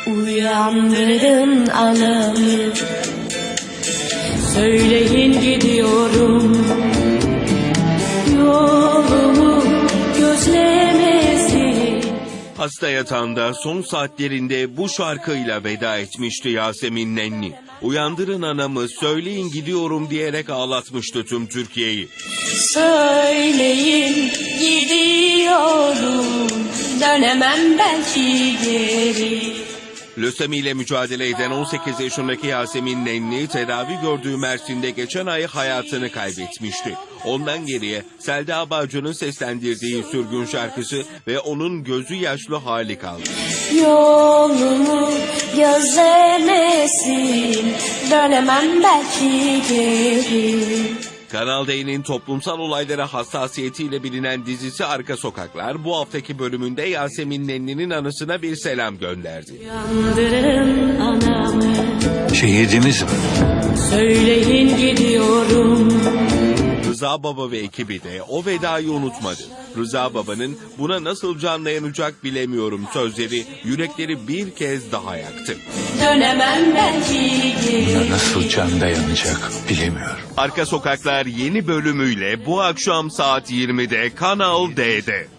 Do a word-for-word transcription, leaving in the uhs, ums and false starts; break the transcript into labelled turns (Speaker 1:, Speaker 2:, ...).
Speaker 1: Uyandırın anamı, söyleyin gidiyorum, yolumu gözlemesin.
Speaker 2: Hasta yatağında son saatlerinde bu şarkıyla veda etmişti Yasemin Nenni. Uyandırın anamı, söyleyin gidiyorum diyerek ağlatmıştı tüm Türkiye'yi.
Speaker 1: Söyleyin gidiyorum, dönemem belki geri.
Speaker 2: Lösemi ile mücadele eden on sekiz yaşındaki Yasemin Nenni, tedavi gördüğü Mersin'de geçen ay hayatını kaybetmişti. Ondan geriye Selda Bağcı'nın seslendirdiği Sürgün şarkısı ve onun gözü yaşlı hali kaldı.
Speaker 1: Yolumu gözlemesin, dönemem belki geri.
Speaker 2: Kanal D'nin toplumsal olaylara hassasiyetiyle bilinen dizisi Arka Sokaklar bu haftaki bölümünde Yasemin Nenni'nin anısına bir selam gönderdi.
Speaker 1: Uyandırın anamı,
Speaker 3: Şehidimiz mi?
Speaker 1: söyleyin gidiyorum.
Speaker 2: Rıza Baba ve ekibi de o vedayı unutmadı. Rıza Baba'nın buna nasıl can dayanacak bilemiyorum sözleri yürekleri bir kez daha yaktı.
Speaker 1: Dönemem belki geri.
Speaker 3: Buna nasıl can dayanacak bilemiyorum.
Speaker 2: Arka Sokaklar yeni bölümüyle bu akşam saat yirmide Kanal D'de.